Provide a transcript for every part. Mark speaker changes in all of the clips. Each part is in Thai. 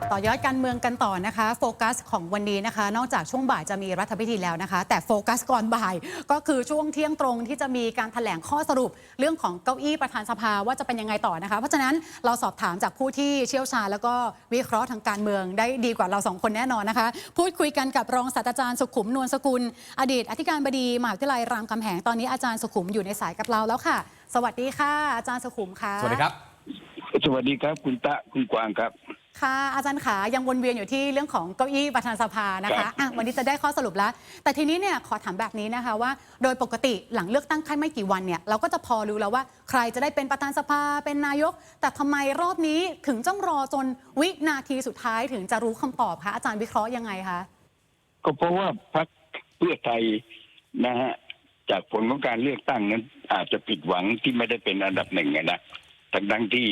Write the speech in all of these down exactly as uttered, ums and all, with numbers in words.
Speaker 1: ต่อยอดการเมืองกันต่อนะคะโฟกัสของวันนี้นะคะนอกจากช่วงบ่ายจะมีรัฐพิธีแล้วนะคะแต่โฟกัสก่อนบ่ายก็คือช่วงเที่ยงตรงที่จะมีการแถลงข้อสรุปเรื่องของเก้าอี้ประธานสภาว่าจะเป็นยังไงต่อนะคะเพราะฉะนั้นเราสอบถามจากผู้ที่เชี่ยวชาญแล้วก็วิเคราะห์ทางการเมืองได้ดีกว่าเราสองคนแน่นอนนะคะพูดคุยกันกับรองศาสตราจารย์สุขุมนวลสกุลอดีตอธิการบดีมหาวิทยาลัยรามคำแหงตอนนี้อาจารย์สุขุมอยู่ในสายกับเราแล้วค่ะสวัสดีค่ะอาจารย์สุขุมค่ะ
Speaker 2: สวัสดีครับ
Speaker 3: สวัสดีครับคุณตะคุณกวางครับ
Speaker 1: ค่ะอาจารย์ขายังวนเวียนอยู่ที่เรื่องของเก้าอี้ประธานสภานะคะอ่ะวันนี้จะได้ข้อสรุปแล้วแต่ทีนี้เนี่ยขอถามแบบนี้นะคะว่าโดยปกติหลังเลือกตั้งแค่ไม่กี่วันเนี่ยเราก็จะพอรู้แล้วว่าใครจะได้เป็นประธานสภาเป็นนายกแต่ทำไมรอบนี้ถึงต้องรอจนวินาทีสุดท้ายถึงจะรู้คำตอบคะอาจารย์วิเคราะห์ยังไงคะ
Speaker 3: ก็เพราะว่าพรรคเพื่อไทยนะฮะจากผลของการเลือกตั้งนั้นอาจจะผิดหวังที่ไม่ได้เป็นอันดับหนึ่งนะทั้งทั้งที่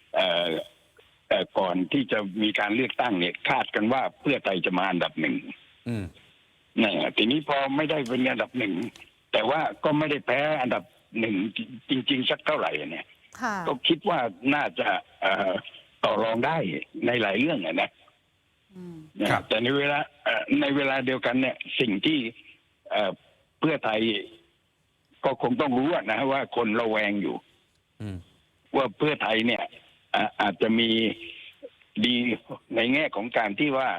Speaker 3: ก่อนที่จะมีการเลือกตั้งเนี่ยคาดกันว่าเพื่อไทยจะมาอันดับหนึ่งนี่ทีนี้พอไม่ได้เป็นอันดับหนึ่งแต่ว่าก็ไม่ได้แพ้อันดับหนึ่งจริงๆสักเท่าไหร่เนี่ยก็คิดว่าน่าจะต่อรองได้ในหลายเรื่องนะแต่ในเวลาในเวลาเดียวกันเนี่ยสิ่งที่เพื่อไทยก็คงต้องรู้นะว่าคนระแวงอยู่ว่าเพื่อไทยเนี่ยอาจจะมีดีในแง่ของการที่ว่า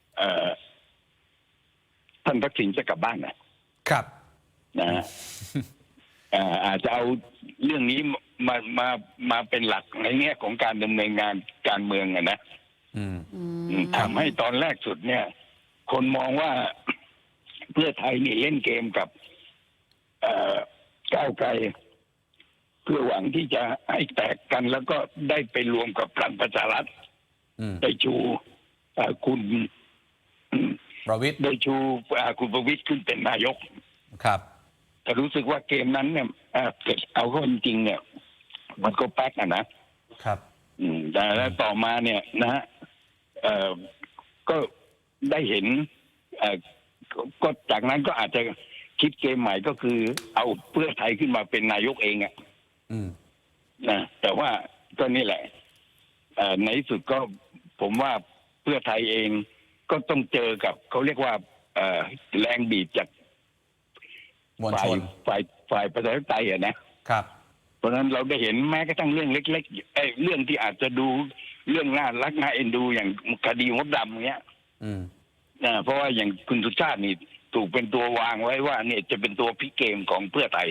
Speaker 3: ท่านทักษิณจะกลับบ้านนะครับนะอาจจะเอาเรื่องนี้มามามาเป็นหลักในแง่ของการดำเนินงานการเมืองนะทำให้ตอนแรกสุดเนี่ย คนมองว่าเพื่อไทยนี่เล่นเกมกับก้าวไกลเพื่อหวังที่จะให้แตกกันแล้วก็ได้ไปรวมกับพลังประชารัฐได้ชูคุณ
Speaker 2: ประวิตร
Speaker 3: ได้ชูคุณประวิตรขึ้นเป็นนายก
Speaker 2: ครับ
Speaker 3: แต่รู้สึกว่าเกมนั้นเนี่ยเกิดเอาเข้าจริงเนี่ยมันก็แป๊กอะนะครับแต่แล้วต่อมาเนี่ยนะฮะก็ได้เห็นก็จากนั้นก็อาจจะคิดเกมใหม่ก็คือเอาเพื่อไทยขึ้นมาเป็นนายกเองอ่ะนะแต่ว่าก็นี่แหละในที่สุดก็ผมว่าเพื่อไทยเองก็ต้องเจอกับเขาเรียกว่าแรงบีบจากฝ่ายฝ่ายฝ่ายประชาธิปไตยอ่ะนะครับเพราะฉะนั้นเราได้เห็นแม้กระทั่งเรื่องเล็กๆไอ้เรื่องที่อาจจะดูเรื่องน่ารักน่าเอ็นดูอย่างคดีมดดำเนี้ยนะเพราะว่าอย่างคุณสุชาตินี่ถูกเป็นตัววางไว้ว่าเนี่ยจะเป็นตัวพลิกเกมของเพื่อไทย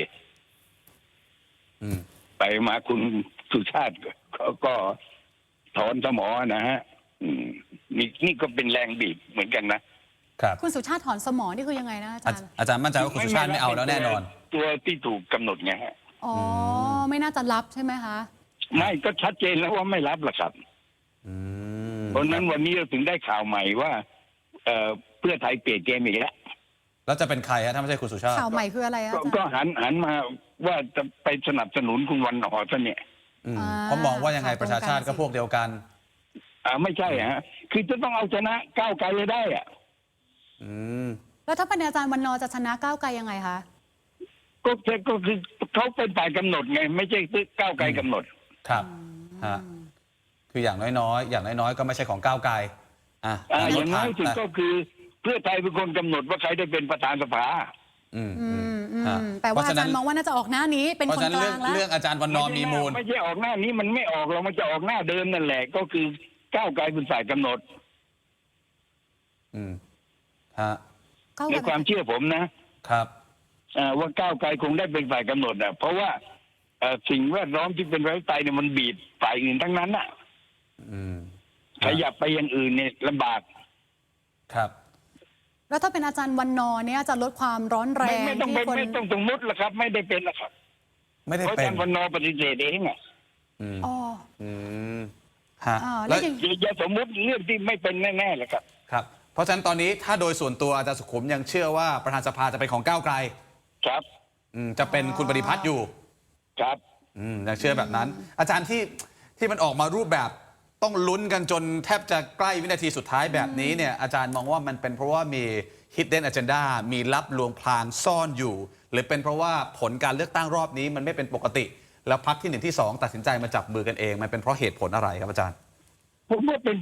Speaker 3: ไปมาคุณสุชาติก็ถอนสมอนะฮะนี่นี่ก็เป็นแรงบีบเหมือนกันนะครับ
Speaker 1: คุณสุชาติถอนสมอนี่คือยังไงนะอาจารย์
Speaker 2: อาจารย์มั่นใจว่าคุณสุชาติไม่เอาแล้วแน่นอน
Speaker 3: ตัวที่ถูกกำหนดไงฮะ
Speaker 1: อ๋อไม่น่าจะรับใช่ไหมคะ
Speaker 3: ไม่ก็ชัดเจนแล้วว่าไม่รับหรอกครับเพราะนั้นวันนี้เราถึงได้ข่าวใหม่ว่าเพื่อไทยเปลี่ยนเกมอีกแล้ว
Speaker 2: แล้วจะเป็นใครฮะถ้าไม่ใช่คุณสุชาติ
Speaker 1: ข่าวใหม่คืออะไรอ่ะ
Speaker 3: ก็หันหันมาว่าจะไปสนับสนุนคุณวันหอซะเนี่ย
Speaker 2: ผมมองว่ายังไงประชาชาติก็พวกเดียวกัน
Speaker 3: อ่าไม่ใช่ฮะคือจะต้องเอาชนะก้าวไกลเลยได้อ่ะ
Speaker 1: แล้วถ้าเป็นอาจารย์วันนอจะชนะก้าวไกลยังไงคะ
Speaker 3: ก็ก็คือเขาเป็นฝ่ายกำหนดไงไม่ใช่ก้าวไกลกำหนด
Speaker 2: ครับฮะคืออย่างน้อยๆอย่างน้อยๆก็ไม่ใช่ของก้าวไกลอ่า
Speaker 3: อย่างน้อยสุดก็คือเพื่อไทยเป็นคนกำหนดว่าใครได้เป็นประธานสภา
Speaker 1: อืมอืมแต่ว่าอาจารย์มองว่าน่าจะออกหน้านี้เป็นคนกลางแล้ว
Speaker 2: เรื่องอาจารย์วันนอมีมูล
Speaker 3: ไม่ใช่ออกหน้านี้มันไม่ออกเรามันจะออกหน้าเดิมนั่นแหละก็คือก้าวไกลเป็นฝ่ายกำหนด
Speaker 2: อืมฮะ
Speaker 3: ในความเชื่อผมนะครับว่าก้าวไกลคงได้เป็นฝ่ายกำหนดอ่ะเพราะว่าสิ่งแวดล้อมที่เป็นประชาธิปไตยเนี่ยมันบีบฝ่ายอื่นทั้งนั้นอ่ะขยับไปอย่างอื่นเนี่ยลำบาก
Speaker 2: ครับ
Speaker 1: แล้วถ้าเป็นอาจารย์วันนอเนี่ยจะลดความร้อนแรง
Speaker 3: ไม่ต้องไม่ต้องสมมติละครับไม่ได้เป็นละครับ
Speaker 2: ไม่ได้เป็น
Speaker 3: อาจารย์วันนอปฏิเสธเองอ่ะ
Speaker 1: อ๋อ
Speaker 2: ฮะ
Speaker 1: แล้ว
Speaker 3: อย่าสมมติเรื่องที่ไม่เป็นแน่ๆเลยครับ
Speaker 2: ครับเพราะฉะนั้นตอนนี้ถ้าโดยส่วนตัวอาจารย์สุขุมยังเชื่อว่าประธานสภาจะเป็นของก้าวไกล
Speaker 3: ครับ
Speaker 2: จะเป็นคุณปฏิพัฒน์อยู่
Speaker 3: ครับ
Speaker 2: ยังเชื่อแบบนั้นอาจารย์ที่ที่มันออกมารูปแบบต้องลุ้นกันจนแทบจะใกล้วินาทีสุดท้ายแบบนี้เนี่ยอาจารย์มองว่ามันเป็นเพราะว่ามี hidden agenda มีลับลวงพรางซ่อนอยู่หรือเป็นเพราะว่าผลการเลือกตั้งรอบนี้มันไม่เป็นปกติแล้วพรรคที่หนึ่งที่สองตัดสินใจมาจับมือกันเองมันเป็นเพราะเหตุผลอะไรครับอาจารย์
Speaker 3: ผมว่าเป็นเพราะ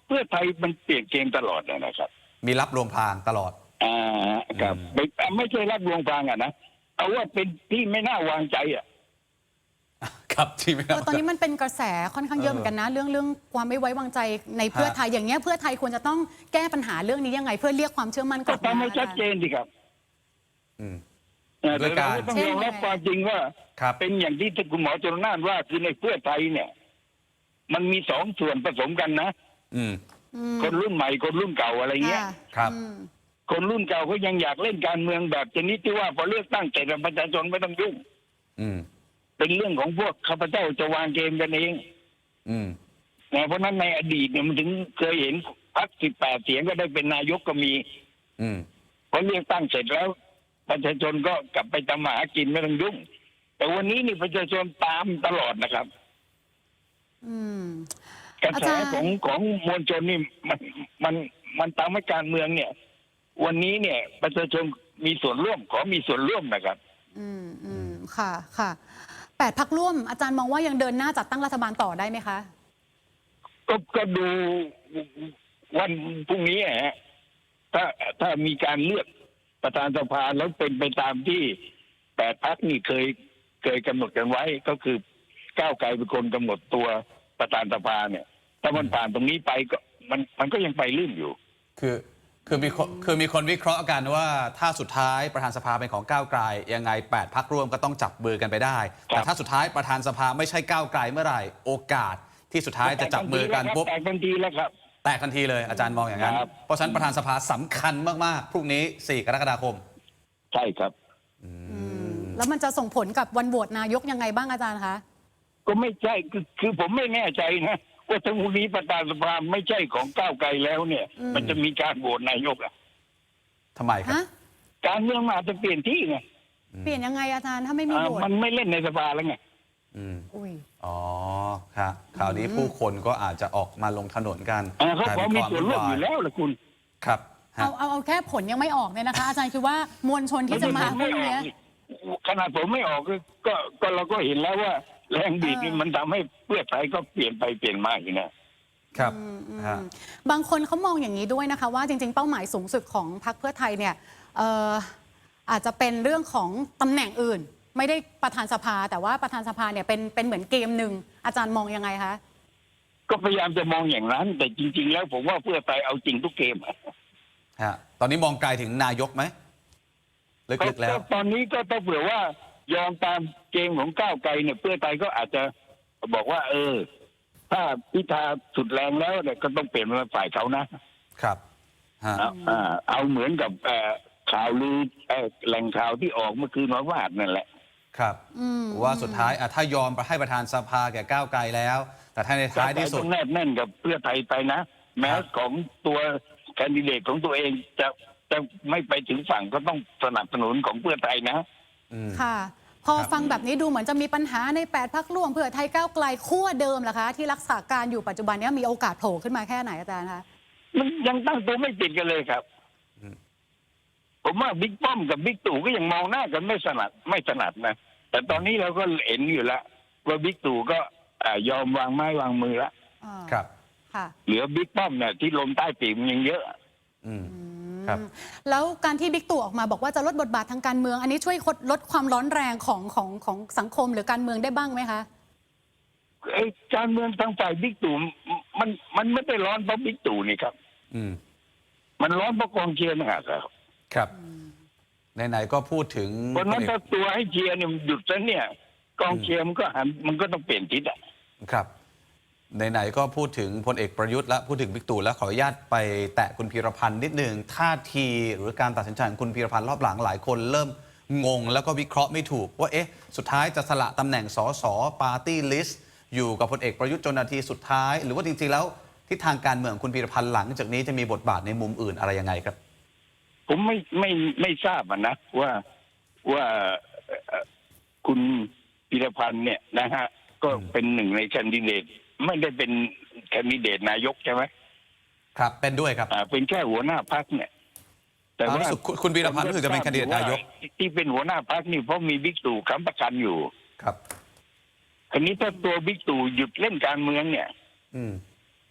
Speaker 3: เพื่อไทยมันเปลี่ยนเกมตลอดนะครับ
Speaker 2: มีรับลวงพรางตลอด
Speaker 3: อ่าครับไม่ไม่ใช่รับลวงพรางอ่ะนะเอาว่าเป็นที่ไม่น่าวางใจอ่ะ
Speaker 2: ครับที่ไม่
Speaker 1: เออตอนนี้มันเป็นกระแสค่อนข้างเยอะเหมือนกันนะ เรื่องเรื่องความไม่ไว้วางใจในเพื่อไทยอย่างเงี้ยเพื่อไทยควรจะต้องแก้ปัญหาเรื่องนี้ยังไง เพื่อเรียกความเชื่อมั่นก
Speaker 3: ก็
Speaker 1: ลับมา
Speaker 3: ทำให้ชัดเจนสิครับ
Speaker 2: อืม
Speaker 3: เอ่อ
Speaker 2: ด้
Speaker 3: แต่
Speaker 2: วยการ
Speaker 3: เราก็ต้องยอมรับความจริงว่า
Speaker 2: ครับ
Speaker 3: เป็นอย่างที่คุณหมอจรนานว่าคือในเพื่อไทยเนี่ย มันมีสองส่วนผสมกันนะ
Speaker 2: อืม
Speaker 1: อืม
Speaker 3: คนรุ่นใหม่คนรุ่นเก่าอะไรเงี้ย
Speaker 1: ค่ะ
Speaker 2: ครับ
Speaker 1: อืม
Speaker 3: คนรุ่นเก่าก็ยังอยากเล่นการเมืองแบบชนิดที่ว่าพอเลือกตั้งเสร็จแล้วประชาชนไม่ต้องยุ่ง
Speaker 2: อืม
Speaker 3: เป็นเรื่องของพวกข้าพเจ้าจะวางเกมกันเอง
Speaker 2: อืม
Speaker 3: นะเพราะฉะนั้นในอดีตเนี่ยมันถึงเคยเห็นพรรคสิบแปดเสียงก็ได้เป็นนายกก็มี
Speaker 2: อืม
Speaker 3: พอเลือกตั้งเสร็จแล้ว ประชาชนก็กลับไปทำมาหากินไม่ต้องยุ่ง แต่วันนี้นี่ประชาชนตามตลอดนะครับ
Speaker 1: อืม
Speaker 3: กระ
Speaker 1: อา
Speaker 3: แส
Speaker 1: จารย์
Speaker 3: ของของมวลชนนี่มันมันมันตามให้การเมืองเนี่ย วันนี้เนี่ย ประชาชนมีส่วนร่วมขอมีส่วนร่วมนะครับ
Speaker 1: อืมอืมค่ะค่ะแปดพักร่วมอาจารย์มองว่ายังเดินหน้าจัดตั้งรัฐบาลต่อได้ไหมคะ
Speaker 3: ก็ก็ดูวันพรุ่งนี้ฮะถ้าถ้ามีการเลือกประธานสภาแล้วเป็นไปตามที่แปดพักนี่เคยเคยกำหนดกันไว้ ก็คือก้าวไกลเป็นคนกำหนดตัวประธานสภาเนี่ย ถ้ามันผ่านตรงนี้ไปก็มันมันก็ยังไปลื่นอยู่
Speaker 2: คือคือมีคนคือมีคนวิเคราะห์กันว่าถ้าสุดท้ายประธานสภาเป็นของก้าวไกลยังไงแปดพรรคร่วมก็ต้องจับมือกันไปได้
Speaker 3: ครับ
Speaker 2: แต่ถ้าสุดท้ายประธานสภาไม่ใช่ก้าวไกลเมื่อไหร่โอกาสที่สุดท้ายจะจับมือกันปุ๊บ
Speaker 3: แตกทันทีแล้วครับ
Speaker 2: แตกทันทีเลยอาจารย์มองอย่างนั้น
Speaker 3: ครับ
Speaker 2: เพราะฉะนั้นประธานสภาสำคัญมากๆพรุ่งนี้สี่กรกฎาคม
Speaker 3: ใช่ครับ
Speaker 1: แล้วมันจะส่งผลกับวันโหวตนายกยังไงบ้างอาจารย์คะ
Speaker 3: ก็ไม่ใช่คือคือผมไม่แน่ใจนะว่าถ้าพรุ่งนี้ประธานสภาไม่ใช่ของก้าวไกลแล้วเนี่ย
Speaker 1: อืม
Speaker 3: มันจะมีการโหวตนายกอะ
Speaker 2: ทำไมครับ
Speaker 1: ฮะ
Speaker 3: การเมืองมันอาจจะเปลี่ยนที่ไง
Speaker 1: เปลี่ยนยังไงอาจารย์ถ้าไม่มี
Speaker 3: อ่า
Speaker 1: โหวต
Speaker 3: มันไม่เล่นในสภาแล้วไง
Speaker 2: อืม
Speaker 1: อุ้ย
Speaker 2: อ๋อครับคราวนี้ผู้คนก็อาจจะออกมาลงถนนกัน
Speaker 3: อ่าเขา
Speaker 2: กลย
Speaker 3: พร้อ
Speaker 2: ป็
Speaker 3: ม
Speaker 2: น
Speaker 3: มี
Speaker 2: ควา
Speaker 3: ส่วนร่วมอยู่แล้วละคุณ
Speaker 2: ครับฮะ
Speaker 1: เอาเอาเอาแค่ผลยังไม่ออกเนี่ยนะคะ อาจารย์คิดว่ามวลชนที่จะมาพ
Speaker 3: ไม่
Speaker 1: รุ่ง
Speaker 3: ออก
Speaker 1: เนี้ย
Speaker 3: นี่ขนาดผมไม่ออกก็ก็ก็เราก็เห็นแล้วว่าแรงบีบนี่
Speaker 1: เออ
Speaker 3: มันทำให้เพื่อไทยก็เปลี่ยนไปเปลี่ยนมาอยู่นะครับ
Speaker 1: อืมอืม
Speaker 2: ฮะ
Speaker 1: บางคนเขามองอย่างนี้ด้วยนะคะว่าจริง ๆ เป้าหมายสูงสุดของพรรคเพื่อไทยเนี่ยเอ่ออาจจะเป็นเรื่องของตำแหน่งอื่น ไม่ได้ประธานสภา แต่ว่าประธานสภาเนี่ยเป็นเป็นเหมือนเกมหนึ่งอาจารย์มองยังไงคะ
Speaker 3: ก็พยายามจะมองอย่างนั้น แต่จริง ๆ แล้วผมว่าเพื่อไทยเอาจริงทุกเกมอะ
Speaker 2: ฮะตอนนี้มองไกลถึงนายกไหมลึกๆแล้ว
Speaker 3: ตอนนี้ก็ต้องเผื่อว่ายอมตามเกมของก้าวไกลเนี่ยเพื่อไทยก็อาจจะบอกว่า เออ ถ้าพิธาสุดแรงแล้วเนี่ยก็ต้องเปลี่ยนมาฝ่ายเขานะครับ
Speaker 2: ฮะ
Speaker 3: เอาอ่าเอาเหมือนกับเอ่อข่าวลือเอ่อแหล่งข่าวที่ออกเมื่อคืนวันวาดนั่นแหละ
Speaker 2: ครับ
Speaker 1: อืม
Speaker 2: ว่าสุดท้ายอ่ะถ้ายอมให้ประธานสภาแก่ก้าวไกลแล้ว แต่ถ้าในท้ายที่สุด
Speaker 3: ต้องแนบแน่นกับเพื่อไทยไปนะ แม้
Speaker 2: ครับ
Speaker 3: ของตัวแคนดิเดตของตัวเองจะจะไม่ไปถึงฝั่งก็ต้องสนับสนุนของเพื่อไทยนะ
Speaker 2: อืม
Speaker 1: ค่ะ พอ
Speaker 2: ครับ
Speaker 1: ฟังแบบนี้ดูเหมือนจะมีปัญหาในแปดพักร่วมเพื่อไทยก้าวไกลขั้วเดิมเหรอคะ ที่รักษาการอยู่ปัจจุบันเนี้มีโอกาสโผล่ขึ้นมาแค่ไหนอาจารย์คะ
Speaker 3: มันยังตั้งตัวไม่ติดกันเลยครับ
Speaker 2: อืม
Speaker 3: ผมว่าบิ๊กป้อมกับบิ๊กตู่ก็ยังมองหน้ากันไม่สนัดไม่สนัดนะ แต่ตอนนี้เราก็เห็นอยู่แล้วว่าบิ๊กตู่ก็อ่ายอมวางไม้วางมือแล้ว
Speaker 1: อ่า
Speaker 2: ครับ
Speaker 1: ค่ะ
Speaker 3: เหลือบิ๊กป้อมเนี่ยที่ลมใต้ปีกมันยังเยอะ
Speaker 2: อืม
Speaker 1: อืม
Speaker 2: ครับ
Speaker 1: แล้วการที่บิ๊กตู่ออกมาบอกว่าจะลดบทบาททางการเมือง อันนี้ช่วยลดความร้อนแรงของของของสังคมหรือการเมืองได้บ้างไหมคะ
Speaker 3: ไอ้การเมืองทางฝ่ายบิ๊กตู่มันมันไม่ได้ร้อนเพราะบิ๊กตู่นี่ครับ
Speaker 2: อืม
Speaker 3: มันร้อนเพราะกองเชียร์นะฮะครับ
Speaker 2: ครับไหนๆก็พูดถึง
Speaker 3: เพราะฉะนั้น
Speaker 2: พลเอก
Speaker 3: ถ้าตัวให้เชียร์เนี่ยมันหยุดซะเนี่ย กองเชียร์มันก็หันมันก็ต้องเปลี่ยนทิศอ่ะ
Speaker 2: ครับไหนๆก็พูดถึงพลเอกประยุทธ์และพูดถึงบิ๊กตู่แล้วขออนุญาตไปแตะคุณพีรพันธ์นิดหนึ่งท่าทีหรือการตัดสินใจของคุณพีรพันธ์รอบหลังหลายคนเริ่มงงแล้วก็วิเคราะห์ไม่ถูกว่าเอ๊ะสุดท้ายจะสละตำแหน่งสสปาร์ตี้ลิสต์อยู่กับพลเอกประยุทธ์จนนาทีสุดท้าย หรือว่าจริงๆแล้วทิศทางการเมืองของคุณพีรพันธ์หลังจากนี้จะมีบทบาทในมุมอื่นอะไรยังไงครับ
Speaker 3: ผมไม่ไม่ไม่ทราบอะนะว่าว่าเอ่อคุณพีรพันธ์เนี่ยนะฮะ ก็เป็นหนึ่งในแคนดิเดตไม่ได้เป็นแคนดิเดตนายกใช่ไหม
Speaker 2: ครับเป็นด้วยครับ
Speaker 3: อ่าเป็นแค่หัวหน้าพรรคเนี่ย แต่
Speaker 2: อ่า
Speaker 3: ว่า
Speaker 2: รู้สึกคุณคุณพีรพันธ์รู้สึกจะเป็นแคนดิเดตนายก
Speaker 3: ที่เป็นหัวหน้าพรรคนี่เพราะมีบิ๊กตู่ค้ำประกันอยู่
Speaker 2: ครับ
Speaker 3: คราวนี้ถ้าตัวบิ๊กตู่หยุดเล่นการเมืองเนี่ย
Speaker 2: อืม
Speaker 3: ไ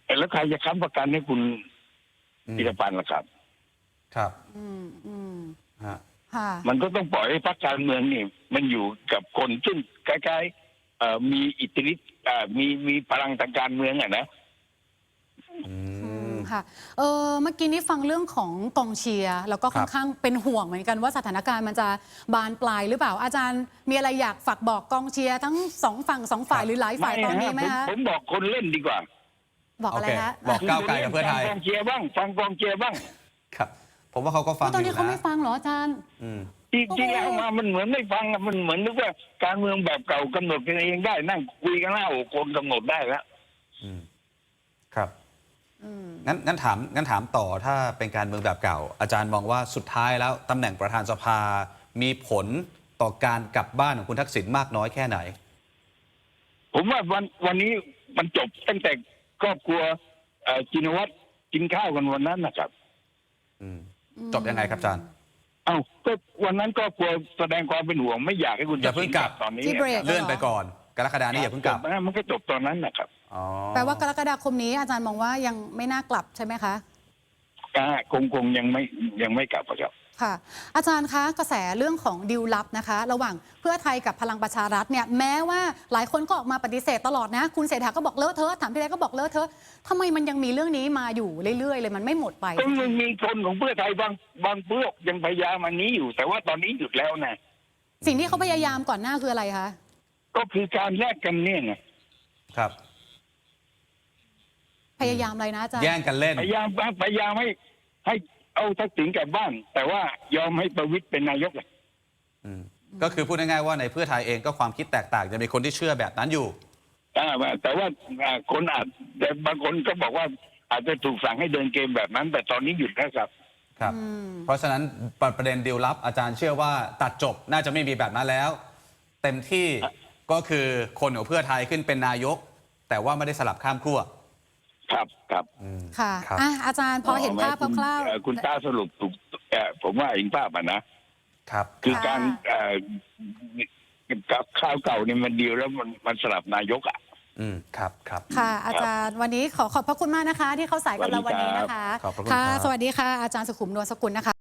Speaker 3: แล้วใครจะค้ำประกันให้คุณ
Speaker 2: อืม
Speaker 3: พิรพันธ์ล่ะครับ
Speaker 2: ครับ
Speaker 1: อืมอืม
Speaker 2: ฮะ
Speaker 1: ค่ะ
Speaker 3: มันก็ต้องปล่อยให้พรรคการเมืองนี่มันอยู่กับคนซึ่งคล้ายๆเอ่อมีอิทธิฤทธิ์เอ่อมีมีพลังทางการเมืองอ่ะนะ
Speaker 2: อื
Speaker 1: อื
Speaker 2: ม
Speaker 1: มค่ะเออเมื่อกี้นี้ฟังเรื่องของกองเชียร์แล้วก็ค่อนข้างเป็นห่วงเหมือนกันว่าสถานการณ์มันจะบานปลายหรือเปล่าอาจารย์มีอะไรอยากฝากบอกกองเชียร์ทั้งสองฝั่งสองฝ่าย
Speaker 2: ครับ
Speaker 1: หรือหลายฝ่ายตอนนี้ไหม
Speaker 3: ผ
Speaker 1: คะ
Speaker 3: ผมบอกคนเล่นดีกว่า
Speaker 1: บอก
Speaker 2: โอ
Speaker 1: อะไร
Speaker 2: เค
Speaker 1: ฮะ
Speaker 2: บอกก้าวไกลกับเพื่อไทย
Speaker 3: ฟังกองเชียร์บ้างฟังกองเชียร์บ้าง
Speaker 2: ครับ ผมว่าเขาก็ฟัง
Speaker 1: ตอน
Speaker 2: อ
Speaker 1: นี้
Speaker 2: ยู่
Speaker 1: เขาไม่
Speaker 2: นะ
Speaker 1: ฟังเหรออาจารย์
Speaker 2: อืม
Speaker 3: ที่
Speaker 1: โอ้โห
Speaker 3: ที่แล้วมามันเหมือนไม่ฟังอะมันเหมือนนึกว่าการเมืองแบบเก่ากำหนดกันเองได้นั่งคุยกันแล้วคนกำหนดได้แล้ว
Speaker 2: อืมครับ
Speaker 1: อืม
Speaker 2: งั้นงั้นถามงั้นถามต่อถ้าเป็นการเมืองแบบเก่า อาจารย์มองว่าสุดท้ายแล้วตำแหน่งประธานสภา มีผลต่อการกลับบ้านของคุณทักษิณมากน้อยแค่ไหน
Speaker 3: ผมว่าวันวันนี้มันจบตั้งแต่ครอบครัวเอ่อจินวัตรกินข้าวกันวันนั้นนะครับ
Speaker 2: อืมจบยังไงครับอาจารย์
Speaker 3: เอ้าก็วันนั้นครอบครัวแสดงความเป็นห่วงไม่อยากให้คุณ
Speaker 2: อย่าเพิ่งกลับ
Speaker 3: ตอนนี้
Speaker 1: ที่เบรก
Speaker 2: เลื่อนไปก่อน กรกฎานี้อย่าเพิ่งกลับ
Speaker 3: จนะมันก็จบตอนนั้นนะครับ
Speaker 2: อ๋อ
Speaker 1: แปลว่ากรกฎาคมนี้อาจารย์มองว่ายังไม่น่ากลับใช่ไหมคะ
Speaker 3: อ่าคงคงยังไม่ยังไม่กลับอะครับ
Speaker 1: ค่ะ อาจารย์คะกระแสเรื่องของดิวลับนะคะ ระหว่างเพื่อไทยกับพลังประชารัฐเนี่ยแม้ว่าหลายคนก็ออกมาปฏิเสธตลอดนะ คุณเศรษฐาก็บอกเลอะเทอะถามพี่ไรก็บอกเลอะเทอะทำไมมันยังมีเรื่องนี้มาอยู่เรื่อยๆเลยมันไม่หมดไป
Speaker 3: ก็มันมีคนของเพื่อไทยบางบางพวกยังพยายามอันนี้อยู่ แต่ว่าตอนนี้หยุดแล้วนะ
Speaker 1: สิ่งที่เขาพยายามก่อนหน้าคืออะไรคะ
Speaker 3: ก็คือการแลกกันเนี่ยไง
Speaker 2: ครับ
Speaker 1: พยายามอะไรนะอาจารย์
Speaker 2: แย่งกันเล่น
Speaker 3: พยายามพยายามให้ให้เอาทักษิณกลับบ้าน แต่ว่ายอมให้ประวิตรเป็นนายกเลย
Speaker 2: อืมก็คือพูดง่ายๆว่าในเพื่อไทยเองก็ความคิดแตกต่างจะมีคนที่เชื่อแบบนั้นอยู่
Speaker 3: อ่าแต่ว่าอ่าคนอาจแต่บางคนก็บอกว่าอาจจะถูกสั่งให้เดินเกมแบบนั้น แต่ตอนนี้หยุดแล้วครับ
Speaker 2: ครับ
Speaker 1: อืม
Speaker 2: เพราะฉะนั้นประเด็นดีลลับอาจารย์เชื่อว่าตัดจบน่าจะไม่มีแบบนั้นแล้ว เต็มที่ก็คือคนของเพื่อไทยขึ้นเป็นนายก แต่ว่าไม่ได้สลับข้ามขั้ว
Speaker 3: ครับครับ
Speaker 2: อืม
Speaker 1: ค่ะ
Speaker 2: ครับ
Speaker 1: อ่ะอาจารย์พอเห็นภาพ
Speaker 3: คุณ
Speaker 1: คร่าว
Speaker 3: เอ่อคุณตาสรุปถูกเอ่อผมว่าเห็นภาพอ่ะนะ
Speaker 2: ครับ
Speaker 3: คือ
Speaker 1: ค่ะ
Speaker 3: การเอ่อกับข้าวเก่าเนี่ยมันดีลแล้วมันมันสลับนายกอ่ะ
Speaker 2: อืมครับครับ
Speaker 1: ๆค่ะ อาจารย์วันนี้ขอขอบพระคุณมากนะคะ ที่เข้าสายกับเราวันนี้นะคะ
Speaker 2: ขอบพระคุณ
Speaker 1: ค่ะ
Speaker 2: ครับ
Speaker 1: สวัสดีค่ะอาจารย์สุขุมนวลสกุลนะคะ